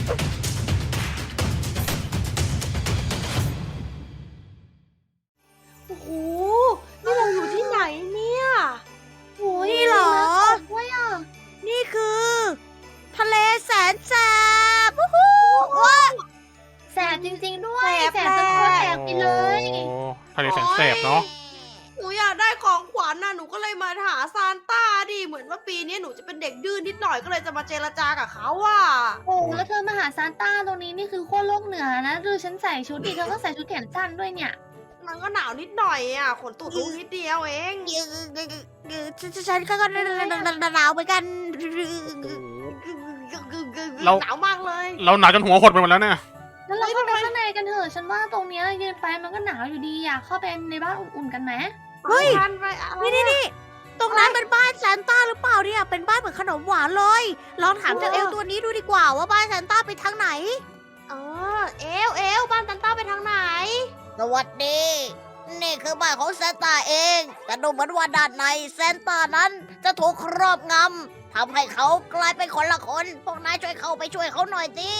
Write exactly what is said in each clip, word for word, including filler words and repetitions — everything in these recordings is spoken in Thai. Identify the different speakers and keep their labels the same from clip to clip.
Speaker 1: โอ้โหนี่เราอยู่ที่ไหนเนี่ยโอ้ย
Speaker 2: นี่เหรอ
Speaker 1: ด้วยอ่ะ
Speaker 2: นี่คือ ทะเลแสนแสบวู้ฮู้ว้า
Speaker 1: แสบจริงๆด้วย
Speaker 2: แสบ
Speaker 1: จนตัวแสบไปเลย
Speaker 3: โอ้ทะเลแสนแสบเนาะ
Speaker 4: หนูอยากได้ของขวัญน่ะหนูก็เลยมาหาซานต้าดิเหมือนว่าปีนี้หนูจะเป็นเด็กดื้อนนิดหน่อยก็เลยจะมาเจรจากับเขาอ่ะ
Speaker 1: โอ้แล้วเธอมาหาซานต้าตรงนี้นี่คือขั้วโลกเหนือนะดูฉันใส่ชุดดิเธอก็ใส่ชุดแขนสั้นด้วยเนี่ย
Speaker 4: มันก็หนาวนิดหน่อยอ่ะขนตูดลุกนิดเดียวเอง
Speaker 2: ฉันก็หนาวเหมือนกัน
Speaker 4: หนาวมากเลย
Speaker 3: เราหนาวจนหัวหดไปหมดแล้วเนี่ย
Speaker 1: แล้วเราเข้าไปข้างในกันเถอะฉันว่าตรงเนี้ยยืนไปมันก็หนาวอยู่ดีอยากเข้าไปในบ้านอุ่นๆกันไหม
Speaker 2: เฮ้ย
Speaker 4: ทันไปอะไร
Speaker 2: นี่นี่นี่ตรงนั้นเป็นบ้านซานต้าหรือเปล่าเนี่ย เป็นบ้านเหมือนขนมหวานเลย ลองถามเจ้าเอลตัวนี้ดูดีกว่าว่าบ้านซานต้าไปทางไหน
Speaker 4: เออเอลเอลบ้านซานต้าไปทางไหน
Speaker 2: สวัสดี นี่คือบ้านของซานต้าเอง แต่ดูเหมือนว่าด้านในซานต้านั้นจะถูกครอบงำทำให้เขากลายเป็นคนละคน พวกนายช่วยเข้าไปช่วยเขาหน่อยดิ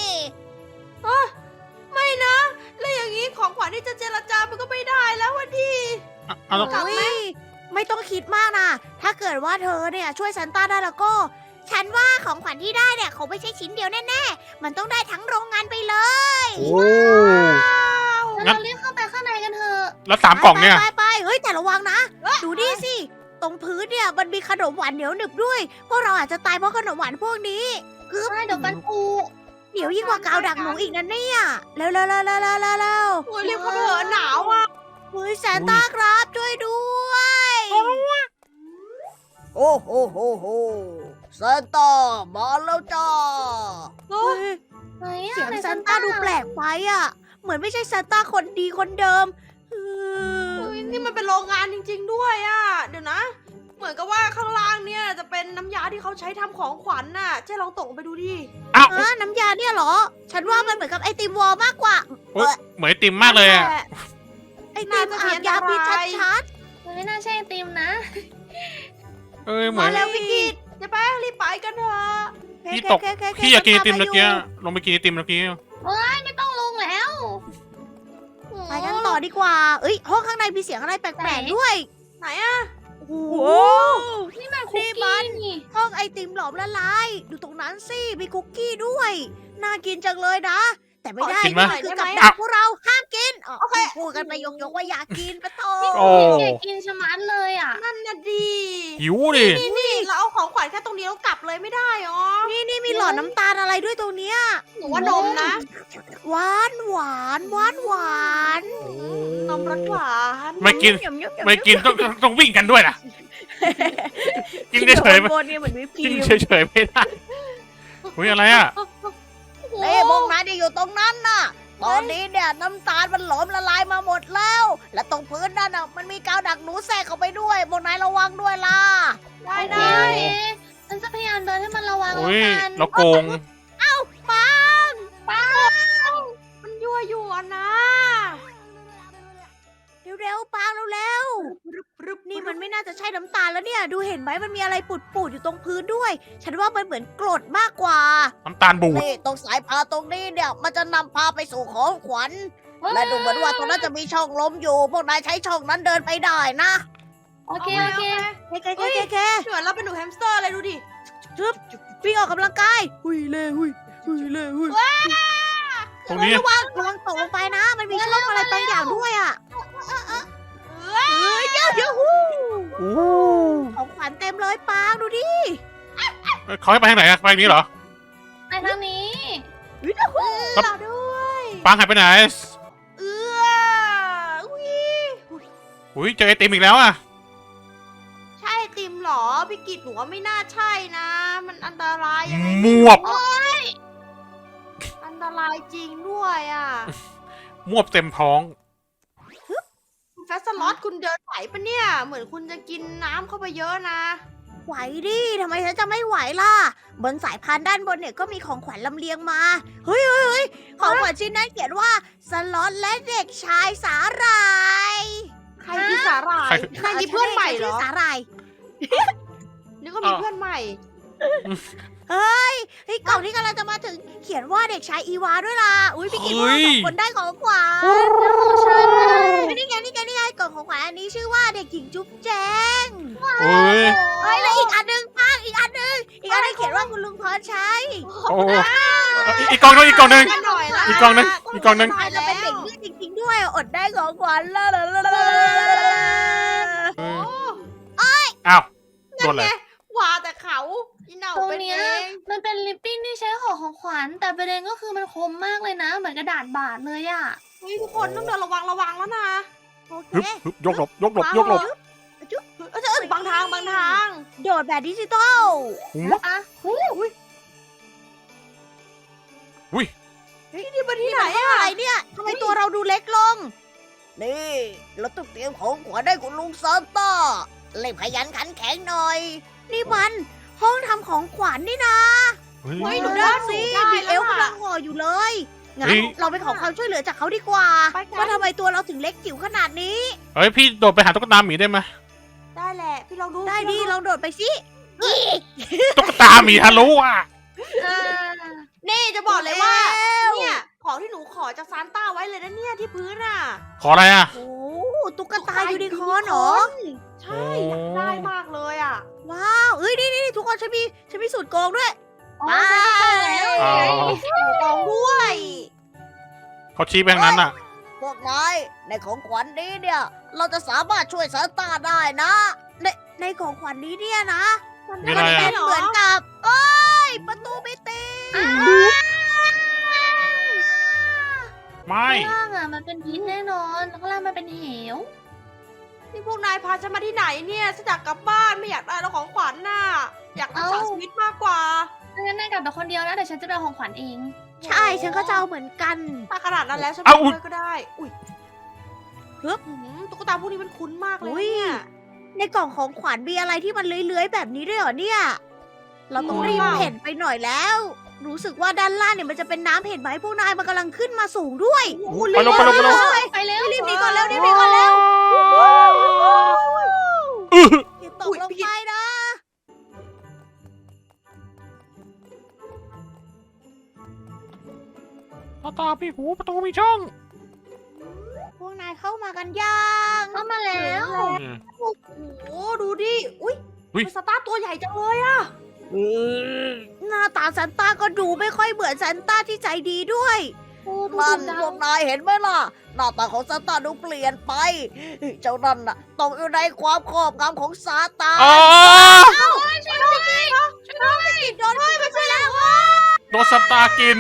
Speaker 4: ไม่นะ แล้วอย่างนี้ของขวัญที่จะเจรจามันก็ไม่ได้แล้ววันดี
Speaker 3: อ่ะเอาแล้ว
Speaker 4: กลับไหม
Speaker 2: อุ๊ยไม่ต้องคิดมากนะ ถ้าเกิดว่าเธอเนี่ยช่วยซานต้าได้แล้วก็ ฉันว่าของขวัญที่ได้เนี่ยเขาไม่ใช่ชิ้นเดียวแน่ๆ มันต้องได้ทั้งโรงงานไปเลย
Speaker 3: โอ้
Speaker 1: แล้วเราเรียกเข้าไปข้างในกันเถอะ
Speaker 3: แล้วสามกล่องเนี่ย
Speaker 2: ไปไปๆเฮ้ยแต่ระวังนะ ดูดิสิ ตรงพื้นเนี่ยมันมีขนมหวานเหนียวหนึบด้วย พวกเราอาจจะตายเพราะขนมหวานพวกนี้คือ
Speaker 1: ใช่เดี๋ยวกันปู
Speaker 2: เหนียวยิ่งกว่ากาวดักหนูอีกนะเนี่ยเร็วเร็วเร็วเร็วเร็วเร็วเร็ว
Speaker 4: โอ้ยรีบเข้าไปเถอะหนาวอ่ะ
Speaker 2: เฮ้ยซานต้าครับช่วยด้วยโอ้โหโหโหซานต้ามาแล้วจ้าเฮ้ย
Speaker 1: ไหนอะ
Speaker 2: เสียง
Speaker 1: ไหน
Speaker 2: ซานต้าดูแปลกไปอ่ะ เหมือนไม่ใช่ซานต้าคนดีคนเดิมเออ
Speaker 4: เฮ้ยนี่มันเป็นโรงงานจริง ๆ ด้วยอ่ะ เดี๋ยวนะ เหมือนกับว่าข้างล่างเนี่ยจะเป็นน้ำยาที่เขาใช้ทำของขวัญน่ะเจ๊ลองตกลงไปดูดิ
Speaker 3: อ้าว
Speaker 2: ฮะน้ำยาเนี่ยเหรอ ฉันว่ามันเหมือนกับไอติมวอลมากกว่า
Speaker 3: โอ๊ยเหมือนไอติมมากเลยอะ
Speaker 2: ไอติมอาบยาพิษชัด
Speaker 1: มันไม่น่าใช่ไอติมนะ
Speaker 3: เอ้ยเหมื
Speaker 4: มา
Speaker 3: อน
Speaker 4: แล้วพี่กิตเจ๊แป้งรีบไปกันเถอะ
Speaker 2: ๆ
Speaker 3: พี่ตก
Speaker 2: โเคๆๆๆ
Speaker 3: พี่อยากกินไอติม
Speaker 2: ตา
Speaker 3: เมื่อกี้
Speaker 2: ยู่
Speaker 3: ลงไปกินไอติมเมื่อกี้
Speaker 1: ไม่ต้องลงแล้ว
Speaker 2: ไปกันต่อดีกว่า เอ้ยห้องข้างในมีเสียงอะไรแปลกๆด้วย
Speaker 4: ไหนอะ
Speaker 2: โอ้โห
Speaker 1: นี่มันคุก
Speaker 2: นี่มั
Speaker 1: กี้
Speaker 2: น
Speaker 1: นี่
Speaker 2: ห้องไอติมหลอมละลาย ดูตรงนั้นสิ มีคุกกี้ด้วย น่ากินจังเลยนะ แต่ไม่ได้
Speaker 3: กินไหม
Speaker 2: นี่คือกับดักพวกเราห้ามกินอ๋อพูดกันไปยกๆว่าอยากกินปะโต
Speaker 3: โอ้
Speaker 1: อยากกินชะมัดเลยอ่ะ
Speaker 4: นั่นน่ะดี
Speaker 3: หิวดิ
Speaker 4: นี่นี่เราเอาของขวัญแค่ตรงนี้แล้วกลับเลยไม่ได้หรอ
Speaker 2: นี่นี่มีหลอดน้ำตาลอะไรด้วยตรงเนี้ย
Speaker 4: หนูว่านมนะ
Speaker 2: หวานหวานหวานหวาน
Speaker 4: นมรสหวาน
Speaker 3: ไม่กิน
Speaker 2: หยำๆๆ
Speaker 3: ไม่กินต้องต้องต้องวิ่งกันด้วยนะกินเฉยๆไม่
Speaker 2: บนๆเนี่ยเหมือนวิปครี
Speaker 3: กิน
Speaker 2: ม
Speaker 3: เฉยๆไม่ได้อุ้ยอะไรอ่ะ
Speaker 2: เอ้ยพวกนายที่อยู่ตรงนั้นน่ะ ตอนนี้เนี่ยน้ำตาลมันหลอมละลายมาหมดแล้ว และตรงพื้นนั่นน่ะมันมีกาวดักหนูแทรกเข้าไปด้วยพวกนายระวังด้วยล่ะ
Speaker 4: ได้
Speaker 1: โอเค
Speaker 4: ได้
Speaker 1: โอเคฉันจะพยายามเดินให้มันระวัง
Speaker 3: อุ้ย
Speaker 1: แล้วกัน
Speaker 3: เราโกง
Speaker 2: ปัง
Speaker 1: ป้า
Speaker 4: มันยั่วยั่วนะ
Speaker 2: เร็วๆปังเร็วๆนี่มันไม่น่าจะใช่น้ำตาลแล้วเนี่ย ดูเห็นไหมมันมีอะไรปุดๆอยู่ตรงพื้นด้วย ฉันว่ามันเหมือนกรดมากกว่า
Speaker 3: น้ำตาลบูด
Speaker 2: นี่ตรงสายพานตรงนี้เนี่ย มันจะนำพาไปสู่ของขวัญ และดูเหมือนว่าตรงนั้นจะมีช่องลมอยู่ พวกนายใช้ช่องนั้นเดินไปได้นะ
Speaker 1: โอเคโอเค
Speaker 2: เคเคเคเคเค
Speaker 4: เหมือนเราเป็นหนูแฮมสเตอร์อะไรดูดิ
Speaker 2: วิ่งออกกำลังกายหุยเลยหุยหุยเลยหุย
Speaker 3: ตรงนี้
Speaker 2: ระวังระวังตกลงไปนะ มันมีช่องอะไรบางอย่างด้วยอ่ะเฮ้ยเดี๋ยวเดี๋ยวหู
Speaker 3: โอ้
Speaker 2: ของขวัญเต็มเลยปางดูดิ
Speaker 3: เขาให้ไปทางไหนอะไปทางนี้เหรอ
Speaker 1: ไปทางนี้
Speaker 3: ครับ
Speaker 4: ต่อด้วย
Speaker 3: ปังหายไปไหน
Speaker 4: เอื้ออุ้ย
Speaker 3: อุ้ยเจอไอติมอีกแล้วอ่ะ
Speaker 4: ใช่ไอติมเหรอ พี่กิตหนูว่าไม่น่าใช่นะ มันอันตรายยังไง
Speaker 3: มวบ
Speaker 4: อันตรายจริงด้วยอ่ะ
Speaker 3: มวบเต็มท้อง
Speaker 4: แฟสล็อตคุณเดินไหวปะเนี่ย เหมือนคุณจะกินน้ำเข้าไปเยอะนะ
Speaker 2: ไหวดิทำไมฉันจะไม่ไหวล่ะ บนสายพานด้านบนเนี่ยก็มีของขวัญลำเลียงมา เฮ้ยเฮ้ยเฮ้ยของขวัญชิ้นนั้นเขียนว่าสล็อตและเด็กชายสาหร่าย
Speaker 4: ใครคือสาหร่าย
Speaker 3: ใคร
Speaker 4: ใครมีเพื่อนใหม่เหรอ
Speaker 2: ชื่สาหร่าย
Speaker 4: นี่ก็มีเพื่อนใหม่
Speaker 2: เฮ้ยเฮ้ยกล่องที่กำลังจะมาถึงเขียนว่าเด็กชายอีวาด้วยล่ะอุ้ยพี่กิตพวกเราสองคนได้ของขวัญ
Speaker 1: ของฉันนะ
Speaker 2: นี่ไงนี่ไงนี่ไงกล่องของขวัญอันนี้ชื่อว่าเด็กหญิงจุ๊บแจง
Speaker 3: โอ้ย
Speaker 2: เฮ้ยแล้วอีกอันหนึงป้างอีกอันหนึงอีกอันหนึงเขียนว่าคุณลุงพรชัย
Speaker 3: โอ้อีกอีกกล่องนึงอีกกล่องนึง
Speaker 4: กันหน่อยละ
Speaker 3: อีกกล่องนึงอีกกล่องนึง
Speaker 2: เราเป็นเด็กดื้อจริงๆด้วยอดได้ของขวัญแล้ว
Speaker 3: เอออ้าวโด
Speaker 4: นั่
Speaker 3: น
Speaker 4: น
Speaker 3: เล
Speaker 4: ไง
Speaker 3: ย
Speaker 4: ว่าแต่เขาอีเหนา
Speaker 1: ตรง
Speaker 4: เป็น
Speaker 1: เนี้
Speaker 4: เอย ง
Speaker 1: มันเป็นลิปปิ้นที่ใช้ห่อของขวัญแต่ประเด็นก็คือมันคมมากเลยนะ เหมือนกระดาษบาดเลยอะ
Speaker 4: เฮ้ยทุกคนต้องเดินระวังระวังแล้วนะ
Speaker 2: โอเค
Speaker 3: ฮึบฮึบยกหลบยกหลบยกหลบ
Speaker 4: เออเออบางทางบางทาง
Speaker 2: โดดแบบดิจิตอล
Speaker 3: หู
Speaker 1: อ่ะ
Speaker 3: อุ้ย
Speaker 4: นี่มาที่ไหน
Speaker 2: นี่มันห้อง
Speaker 4: อะ
Speaker 2: อะไรเนี่ยทำไมตัวเราดูเล็กลง นี่เราต้องเตรียมของขวัญให้คุณลุงซานต้าเล่นขยันขันแข็งหน่อย นี่มันห้องทำของขวัญนี่นะ
Speaker 3: เฮ้ย
Speaker 4: เฮ้ย
Speaker 2: ดู
Speaker 4: ดู
Speaker 2: ด้า
Speaker 4: ด้าน น
Speaker 2: สิ
Speaker 4: สิ
Speaker 2: มี
Speaker 4: มี
Speaker 2: เอ
Speaker 4: เอ
Speaker 2: ล
Speaker 4: ล
Speaker 2: กำ
Speaker 4: กำ
Speaker 2: ลั
Speaker 4: ลั
Speaker 2: ง
Speaker 4: ง
Speaker 2: ห่ออยู่เลยงั้น
Speaker 3: เฮ้ย
Speaker 2: เราไปขอความช่วยเหลือจากเขาดีกว่า
Speaker 4: ไปกัน
Speaker 2: ว่าทำไมตัวเราถึงเล็กจิ๋วขนาดนี้
Speaker 3: เฮ้ยพี่โดดไปหาตุ๊กตาหมีได้ไหม
Speaker 4: ได้แหละพี่ลองดู
Speaker 2: ได้ดิ
Speaker 4: พี่
Speaker 2: ลองโดดไปสิอีก
Speaker 3: ตุ๊กตาหมีทะลุอ่ะ
Speaker 1: อ่า
Speaker 4: นี่จะบอกเลยว่า
Speaker 2: แล้ว
Speaker 4: เนี่ยของที่หนูขอจากซานต้าไว้เลยนะเนี่ยที่พื้นอ่ะ
Speaker 3: ขออะไรอ่ะ
Speaker 2: โอ้ตุ๊กตายูนิคอร์นเหรอ
Speaker 4: ใช่อยากได้มากเลยอ่ะ
Speaker 2: ว้าวเอ้ยนี่นี่ทุกคนฉันมีฉันมีสูตรโกงด้วย
Speaker 1: อ๋อ
Speaker 2: ไป
Speaker 1: ฉันเข้าแล้ว
Speaker 3: อ๋อ
Speaker 4: กองด้วย
Speaker 3: เขาชี้ไปทางนั้นอ่ะ
Speaker 2: พวกนายในของขวัญนี้เนี่ย เราจะสามารถช่วยซานต้าได้นะ ในในของขวัญนี้เนี่ยนะ
Speaker 3: มีอะไร
Speaker 2: เป็
Speaker 3: อ่ะ
Speaker 2: นเหมือนกับเอ้ยประตูไม่ติด
Speaker 3: ไม่
Speaker 1: ข้างล่างอ่ะมันเป็นพิษแน่นอนข้างล่างมันเป็นเหว
Speaker 4: นี่พวกนายพาฉันมาที่ไหนเนี่ยฉันอยากกลับบ้านไม่อยากได้แล้วของขวัญน่ะอยากรักษาชีวิตมากกว่า
Speaker 1: งั้นนายกลับไปคนเดียวนะเดี๋ยวฉันจะไปเอาของขวัญเอง
Speaker 2: ใช่ฉันก็จะเอาเหมือนกัน
Speaker 4: ถ้าขนาดนั้นแล้วฉัน
Speaker 3: เอา
Speaker 4: ไป
Speaker 3: อุ๊ย
Speaker 4: ด้วยก็ได้ อุ้ย
Speaker 2: ฮึบ
Speaker 4: หืมตุ๊กตาพวกนี้มันคุ้นมากเลย
Speaker 2: อุ๊ย
Speaker 4: เนี่ย
Speaker 2: ในกล่องของขวัญมีอะไรที่มันเลื้อยๆแบบนี้ด้วยเหรอเนี่ย เราต้องรีบเห็นไปหน่อยแล้ว รู้สึกว่าด้านล่างเนี่ยมันจะเป็นน้ำเห็นไหมพวกนายมันกำลังขึ้นมาสูงด้วย
Speaker 3: ไปลงไปลงไปลง
Speaker 1: ไปเร็ว
Speaker 2: รีบหนีก่อนเร็วรีบหนีก่อนเร็ว
Speaker 3: อื้อ
Speaker 2: อย่าตกลงไปนะ
Speaker 3: ตาตาพี่หูประตูมีช่อง
Speaker 2: พวกนายเข้ามากันยัง
Speaker 1: เข้ามาแล้ว
Speaker 3: อืม
Speaker 4: โอ้โหดูดิอุ้ย
Speaker 3: อุ๊ย
Speaker 4: เป็นสตาร์ตัวใหญ่จังเลยอะ
Speaker 2: หน้าตาซันต้าก็ดูไม่ค่อยเหมือนซันต้าที่ใจดีด้วย
Speaker 1: โอ้ดู
Speaker 2: นั่น
Speaker 1: ดัง
Speaker 2: พวกนายเห็นไหมล่ะ หน้าตาของซาตานดูเปลี่ยนไป เจ้านั่นน่ะตกอยู่ในความครอบงำของซาตาน
Speaker 3: อ๋อ
Speaker 2: ช่วยด้วยช่วยด้วยโดนไปช่วยแล้ว
Speaker 3: โดนสตาร์กิน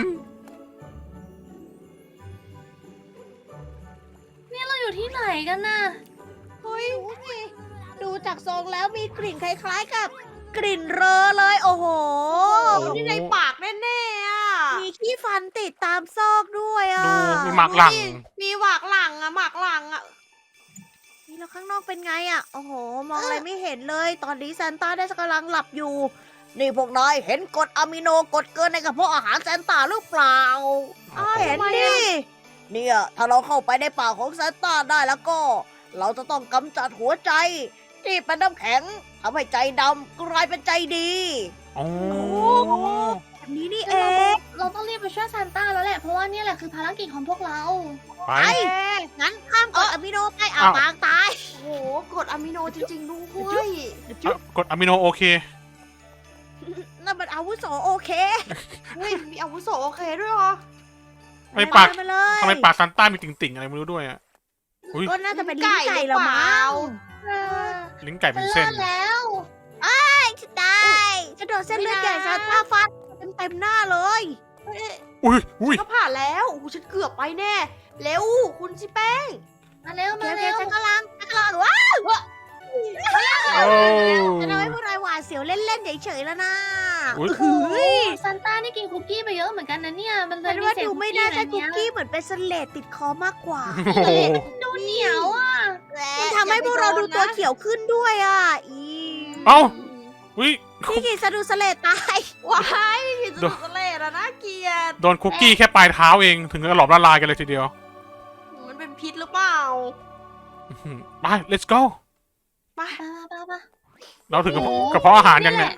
Speaker 1: นี่เราอยู่ที่ไหนกันน่ะ
Speaker 2: เฮ้ยดูจากทรงแล้วมีกลิ่นคล้ายๆกับ กลิ่นเรอเลย โอ้โห
Speaker 3: โอ้
Speaker 4: นี่ในปากแน่ๆอะ
Speaker 2: มีขี้ฟันติดตามซอกด้วยอ่ะ
Speaker 3: ดูมีหมากหลัง
Speaker 4: ดูดิมีหมากหลังอะหมากหลังอะ
Speaker 2: นี่แล้วข้างนอกเป็นไงอ่ะ โอ้โห มองอะไรไม่เห็นเลย ตอนนี้ซานต้าได้กำลังหลับอยู่ นี่พวกนายเห็นกรดอะมิโนกรดเกินในกระเพาะอาหารซานต้าหรือเปล่า
Speaker 4: อ้าว
Speaker 2: เห็น
Speaker 4: ทำไม
Speaker 2: ดิ
Speaker 4: อะ
Speaker 2: เนี่ย ถ้าเราเข้าไปในป่ากของซานต้าได้แล้วก็ เราจะต้องกำจัดหัวใจ ที่เป็นน้ำแข็งทำให้ใจดำกลายเป็นใจดี
Speaker 3: โอ้
Speaker 2: แบบนี้นี่
Speaker 1: เอ
Speaker 2: เอง
Speaker 1: เราต้องรีบไปช่วยซานต้าแล้วแหละ เพราะว่านี่แหละคือภารกิจของพวกเรา
Speaker 3: ไป
Speaker 2: ไป งั้นข้ามกรดอะมิโนไปอ่ะ
Speaker 3: อ้าว
Speaker 2: ปางตาย
Speaker 4: โอ้โหกรดอะมิโนจริงๆด้วย
Speaker 3: อ่ะกดอะมิโนโอเค
Speaker 2: นั่นมันอาวุโสโอเค
Speaker 4: เฮ้ยมีอาวุโสโอเคด้วยเหรอ
Speaker 3: ทำไมปาก
Speaker 2: มาเลย
Speaker 3: ทำไมปากซันต้ามีติ่งๆอะไรไม่รู้ด้วยอ่ะ อุ๊ย
Speaker 2: ก็น่าจะเป็นลิ้นไก่ละมั้ง
Speaker 3: ลิ้นไก่
Speaker 1: ฉั
Speaker 3: เป็น
Speaker 1: น
Speaker 3: เส้น
Speaker 1: รอดแล้ว
Speaker 2: จะได้จะโดนเส้นเลือดใหญ่ซาต้าฟาดเต็มเต็มๆหน้าเลย
Speaker 3: อุ้ยอุ้ย
Speaker 4: ก็ผ่านแล้วโอ้โหฉันเกือบไปแน่ เร็ว คุณชิแป้ง
Speaker 1: มาเร็ว
Speaker 2: โอเค
Speaker 1: มา
Speaker 2: โอเค
Speaker 1: เร็ว
Speaker 2: ฉันกำลังฉันกำลังว้าว
Speaker 3: โอ้
Speaker 2: จะทำให้พวกนายหวาดเสียวเล่นๆเฉยๆแล้วนะ
Speaker 3: อุ๊ย
Speaker 2: เฮ้ย
Speaker 1: ซานต้านี่กินคุกกี้ไปเยอะเหมือนกันนะเนี่ย มันเล
Speaker 2: ฉั
Speaker 1: ย
Speaker 2: น
Speaker 1: มี
Speaker 2: ว่า
Speaker 1: เศษ
Speaker 2: ดู
Speaker 1: คุก
Speaker 2: ไม่
Speaker 1: กี้
Speaker 2: น่า
Speaker 1: อะไร
Speaker 2: ใช่คุก
Speaker 1: เงี้ย
Speaker 2: กี้เหมือนเป็นสเลดติดคอมากกว่า
Speaker 3: โอ้โห
Speaker 1: ดูเหนียวอ่ะ
Speaker 2: มันทำให้พวกเราดูตัวเขียวขึ้นด้วยอ่ะอี
Speaker 3: เอ้า อุ้ย
Speaker 2: พี่กินสะดุดสเลดตาย
Speaker 4: ว้ายสนุกสเลดอะน่าเกลียด
Speaker 3: โดนคุกกี้แค่ปลายเท้าเอง ถึงกับหลอมละลายกันเลยทีเดียว
Speaker 4: มันเป็นพิษหรือเปล่า
Speaker 3: อื้อหือไป let's go
Speaker 4: ไป
Speaker 1: ไปไปไป
Speaker 3: เราถึงกระเพาะกระเพาะอาหารยังเนี่ย
Speaker 1: น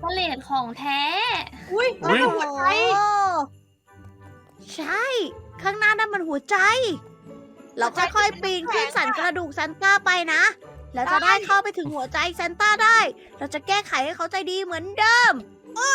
Speaker 1: พาเลตของแท้
Speaker 4: อุ้ย
Speaker 3: อุ๊ย
Speaker 4: นั่นมันหัวใจ
Speaker 2: โอ้ใช่ ข้างหน้านั่นมันหัวใจ เราค่อยๆปีนขึ้นสันกระดูกซันต้าไปนะ แล้วจะได้เข้าไปถึงหัวใจซันต้าได้ เราจะแก้ไขให้เขาใจดีเหมือนเดิม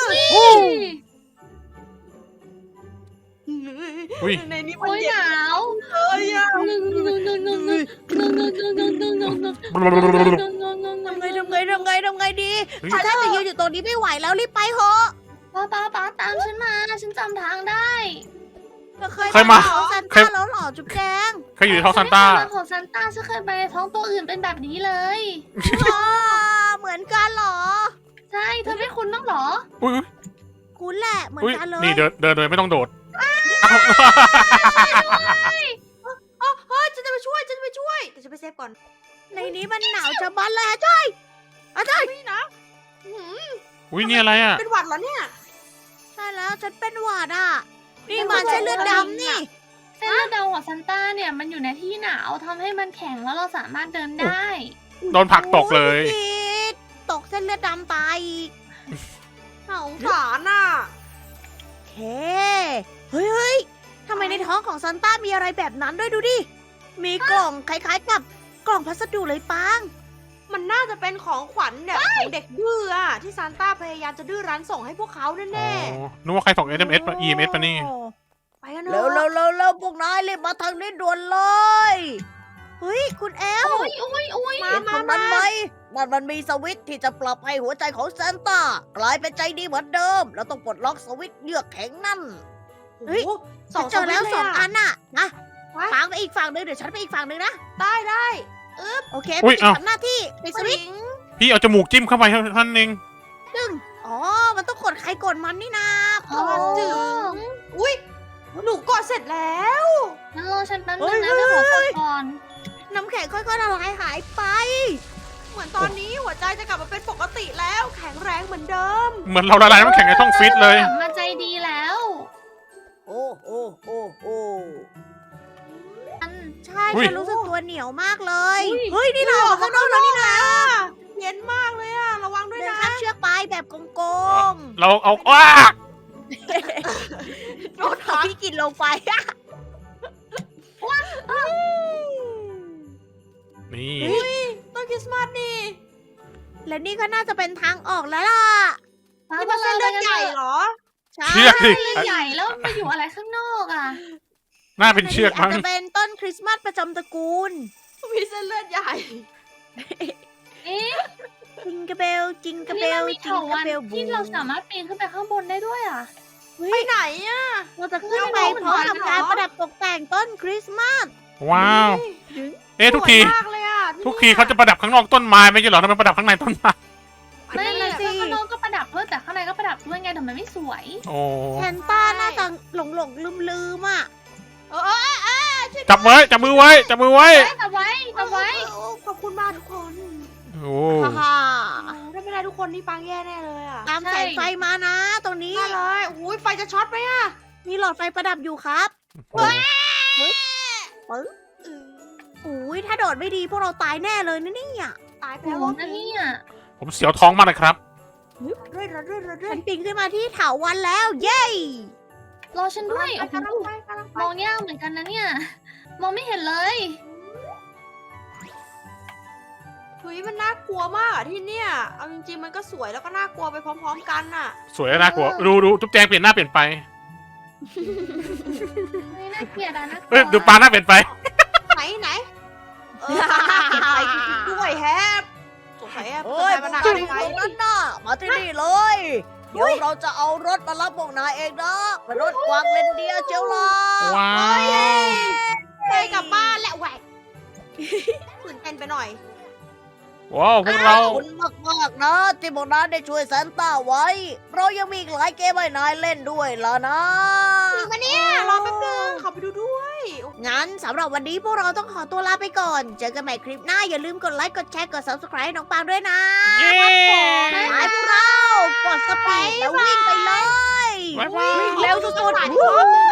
Speaker 3: อุ้ย
Speaker 4: ในนี้มัน
Speaker 1: โอ้ย
Speaker 4: เย็
Speaker 1: ห
Speaker 4: น
Speaker 1: นาว
Speaker 4: เลยอะ
Speaker 1: หนึ่งหนึ่งหนึ่งหนึ่งหนึ่งหนึ่งหนึ่งหนึ่งหนึ่งหนึ่งหนึ่งหนึ่งหนึ่ง
Speaker 2: ทำไงทำไงทำไงทำไงดี
Speaker 3: เฮ้ย
Speaker 2: ฉันน่าจะยืนอยู่ตรงนี้ไม่ไหวแล้วรีบไปเถอะ
Speaker 1: ป้าป้าป้าตามฉันมาฉันจำทางได้
Speaker 2: เธอเคย
Speaker 3: เคยมา
Speaker 2: ของซัน
Speaker 3: เค
Speaker 2: ต้าย แล้วเหรอจุ๊บแจง
Speaker 3: เคยอยู่ในท้องซานต้า
Speaker 1: ฉันไม่เคยมาของซันต้าฉันเคยไปในท้องตัวอื่นเป็นแบบนี้เลย
Speaker 2: อ๋อเหมือนกันเหรอ
Speaker 1: ใช่เธอไม่คุ้นบ้างเหรอ
Speaker 3: อุ้ยอุ๊ย
Speaker 2: คุณแหละเหมือน
Speaker 3: อุ้ย
Speaker 2: กันเลย
Speaker 3: นี่เดินเดินโดยไม่ต้องโดด
Speaker 4: อ๋อเฮ้ยฉันจะไปช่วยฉันจะไปช่วยแต่ฉันไปเซฟก่อน
Speaker 2: ในนี้มันหนาวจะบันเลยอะจ้อยอะจ้อย
Speaker 4: นี่นะอื้อหือ
Speaker 3: อุ้ยนี่อะไรอ่ะ
Speaker 4: เป็นหวัดเหรอเนี่ย
Speaker 2: ใช่แล้วฉันเป็นหวัดอ่ะ นี่มันใช่เลือดดำนี่
Speaker 1: เส้นเลือดดำของซันต้าเนี่ยมันอยู่ในที่หนาวทำให้มันแข็งแล้วเราสามารถเดินได้
Speaker 3: โดนผลักตกเลย
Speaker 2: โอ้ผิดตกเส้นเลือดดำตายอีก
Speaker 4: น่าสงสารน่ะ
Speaker 2: โอเค เฮ้ยเฮ้ยทำไมในท้องของซันต้ามีอะไรแบบนั้นด้วยดูดิ มีกล่องคล้ายๆกับกล่องพัสดุเลยปัง
Speaker 4: มันน่าจะเป็นของขวัญแบบของเด็กดื้ออะที่ซานต้าพยายามจะดื้อรั้นส่งให้พวกเขา
Speaker 3: อ๋
Speaker 4: แน่
Speaker 3: อนึกว่าใครส่ง เอส เอ็ม เอส ปะ อี เอ็ม เอส ปะนี่
Speaker 4: ๆไปกันเถ
Speaker 2: เร็ว
Speaker 4: อะ
Speaker 2: เร็วเร็วเร็วพวกนายรีบมาทางนี้ด่วนเลย เฮ้ย คุณแอล
Speaker 1: โอ้ยโอ้ยโอ้ย
Speaker 2: เห็นตรงนั้นไหมนั่นมันมีสวิตช์ที่จะปรับให้หัวใจของซานต้ากลายเป็นใจดีเหมือนเดิม แล้วต้องปลดล็อกสวิตช์เยือกแข็งนั่น เฮ้ย
Speaker 4: โอ้โหส
Speaker 2: ฉั
Speaker 4: อน ง
Speaker 2: เจอแล้ว
Speaker 4: สวิตช์
Speaker 2: สอง
Speaker 4: เยะ
Speaker 2: อันน่ะนะ
Speaker 4: ไว้
Speaker 2: ปางไปอีกฝั่งหนึ่งเดี๋ยวฉันไปอีกฝั่งหนึ่งนะ
Speaker 4: ได้ได้
Speaker 2: โอเค
Speaker 3: อุ๊ย
Speaker 2: พี่
Speaker 3: เอ้า
Speaker 2: ทำหน้าที่ปิดสวิตช์
Speaker 3: พี่เอาจมูกจิ้มเข้าไปท่านเอง
Speaker 2: ดึงอ๋อ มันต้องกดใครกดมันนี่นา
Speaker 1: โอ้
Speaker 4: จึงอุ้ยหนูกดเสร็จแล้ว
Speaker 1: งั้นรอฉันแป๊บนึงนะเดี๋ยวขอฟังก่อน
Speaker 2: น้ำแข็งค่อยๆละลายหายไป
Speaker 4: เหมือนตอนนี้หัวใจจะกลับมาเป็นปกติแล้ว แข็งแรงเหมือนเดิม
Speaker 3: เหมือนเราละลายน้ำแข็งในท้องฟิตเลย
Speaker 1: กลับมาใจดีแล้ว
Speaker 2: โอ้โอ้โอ้โอ้
Speaker 1: อัน
Speaker 2: ใช่
Speaker 3: อุ๊ย
Speaker 2: ฉันรู้สึกตัวเหนียวมากเลย
Speaker 1: อุ๊ย
Speaker 2: เฮ้ย นี่เราออกข้างนอกแล้วนี่นะ
Speaker 4: เย็นมากเลยอะระวังด้วย
Speaker 2: เดิน
Speaker 4: นะ
Speaker 2: ข้ามเชือกไปแบบโกง
Speaker 3: เราเอาว้า
Speaker 2: ๆโดนขาพี่กินลงไป
Speaker 3: นี่
Speaker 4: ต้นคริสต์มาสนี่
Speaker 2: และนี่ก็น่าจะเป็นทางออกแล้วล่ะ
Speaker 4: นี่มันเส้นเลือดใหญ่เหรอ
Speaker 2: ใช่
Speaker 3: เชือกสิ
Speaker 1: เลือดใหญ่แล้วไปอยู่อะไรข้างนอกอ่ะ
Speaker 3: น่าเป็นเชือก
Speaker 2: อาจ
Speaker 3: มั้ง
Speaker 2: จะเป็นต้นคริสต์มาสประจำตระกูล
Speaker 4: มีเส้นเลือดใหญ่
Speaker 1: เอ๊ะ
Speaker 2: จิงกระเบล จิงกระเบ
Speaker 1: นี่มั
Speaker 2: ล
Speaker 1: นมี
Speaker 2: จิ
Speaker 1: เถาง
Speaker 2: กระ
Speaker 1: วัน
Speaker 2: เบลบู
Speaker 1: ที่เราสามารถปีนขึ้นไปข้างบนได้ด้วยอ่ะ
Speaker 4: ไปไหนอะ
Speaker 2: เราจะขึ้นไป
Speaker 1: ไม่
Speaker 2: พ
Speaker 1: รู้
Speaker 2: ร้อม
Speaker 1: เหมือนกัน
Speaker 2: กับการประดับตกแต่งต้นคริสต์มาส
Speaker 3: ว้าว เอ๊ะทุกที
Speaker 4: สวยมากเลยอะ
Speaker 3: ทุกทีเขาจะประดับข้างนอกต้นไม้ไม่ใช่เหรอทำไมประดับข้างในต้นไม้
Speaker 1: ไม่
Speaker 4: นั่น
Speaker 1: เล
Speaker 4: น่ะ
Speaker 1: ย
Speaker 4: สิ
Speaker 1: ข้างนอกก็ประดับด้วยแต่ข้างในก็ประดับด้วยไงแต่มันไม่สวย
Speaker 3: โอ้
Speaker 2: แซนต้าน่าจะหลงหลงลืมลืมๆอ่ะ
Speaker 4: เออเออเออเออช่วย
Speaker 3: จับไว้ จับมือไว้ จับมือไว้
Speaker 1: เฮ้ยจับไว้จับไว้
Speaker 4: เออขอบคุณมากทุกคน
Speaker 3: โอ้
Speaker 2: ฮ่าฮ่า
Speaker 4: โอ้ถ้าไม่ได้ทุกคนนี่ปังแย่แน่เลยอะ
Speaker 2: ตามแสงไฟมานะ ตรงนี้
Speaker 4: ได้เลยโอ้ยไฟจะช็อตไหมอะ
Speaker 2: มีหลอดไฟประดับอยู่ครับ
Speaker 3: โห
Speaker 2: อุ้ยถ้าโดดไม่ดีพวกเราตายแน่เลยนะเนี่ย
Speaker 4: ตายไป
Speaker 1: โอ้
Speaker 4: แล้ว
Speaker 1: โห
Speaker 4: วะ
Speaker 1: นั่นเนี่ย
Speaker 3: ผมเสียวท้องมากเลยครับ
Speaker 4: เรื่อยเรื่อยเรื่อยเรื่
Speaker 2: ฉั
Speaker 4: อย
Speaker 2: นปีนขึ้นมาที่เถาวันแล้ว เย้
Speaker 1: รอฉันด้วย
Speaker 4: ไป
Speaker 1: โอ้โห
Speaker 4: กำลังไปกำลังไป
Speaker 1: มองยากเหมือนกันนะเนี่ย มองไม่เห็นเลย
Speaker 4: เฮ้ยมันน่ากลัวมากอะที่เนี่ย เอาจริงๆมันก็สวยแล้วก็น่ากลัวไปพร้อม ๆ กันน่ะ
Speaker 3: สวยและน่ากลัว ดูดูจุ๊บแจงเปลี่ยนหน้าเปลี่ยนไป
Speaker 1: ไม่น่าเกลียดอะนะ
Speaker 3: เอ้ยดูปลาหน้าเปลี่ยนไป
Speaker 4: ไหนไหนเออมันน่าเกลียดไปจริงๆด้วยแฮปสงสัยอะ
Speaker 2: โอ้ย
Speaker 4: สงสั
Speaker 2: พวก
Speaker 4: มัน
Speaker 2: นาย
Speaker 4: น่า
Speaker 2: อยู่
Speaker 4: จะ
Speaker 2: ตรงนั้นน่ะ มาที่นี่เลย เดี๋ยวเราจะเอารถมารับพวกนายเองนะเป็นรถกวางเลนเดียร์เจียวล่ะ
Speaker 3: ว้าว
Speaker 4: ไปกลับบ้านแล้วแหวกตื่นเต้นไปหน่อย
Speaker 3: ว้าวพวกเรา
Speaker 2: ขอบคุณมากๆนะ ที่พวกนายได้ช่วยแซนต้าไว้ เรายังมีอีกหลายเกมให้นายเล่นด้วยล่ะนะ
Speaker 4: จริงปะเนี่ยรอแป๊บนึงขอไปดูด้วยโอ้โห
Speaker 2: งั้นสำหรับวันนี้พวกเราต้องขอตัวลาไปก่อน เจอกันใหม่คลิปหน้า อย่าลืมกดไลค์ กดแชร์ กด subscribe ให้น้องปางด้วยนะ
Speaker 3: เย้
Speaker 2: ไปพวกเรา กดสปีดแล้ววิ่งไปเลย
Speaker 3: บ๊ายบาย
Speaker 2: วิ่งเร็วสุดๆ
Speaker 4: อีกรอบนึง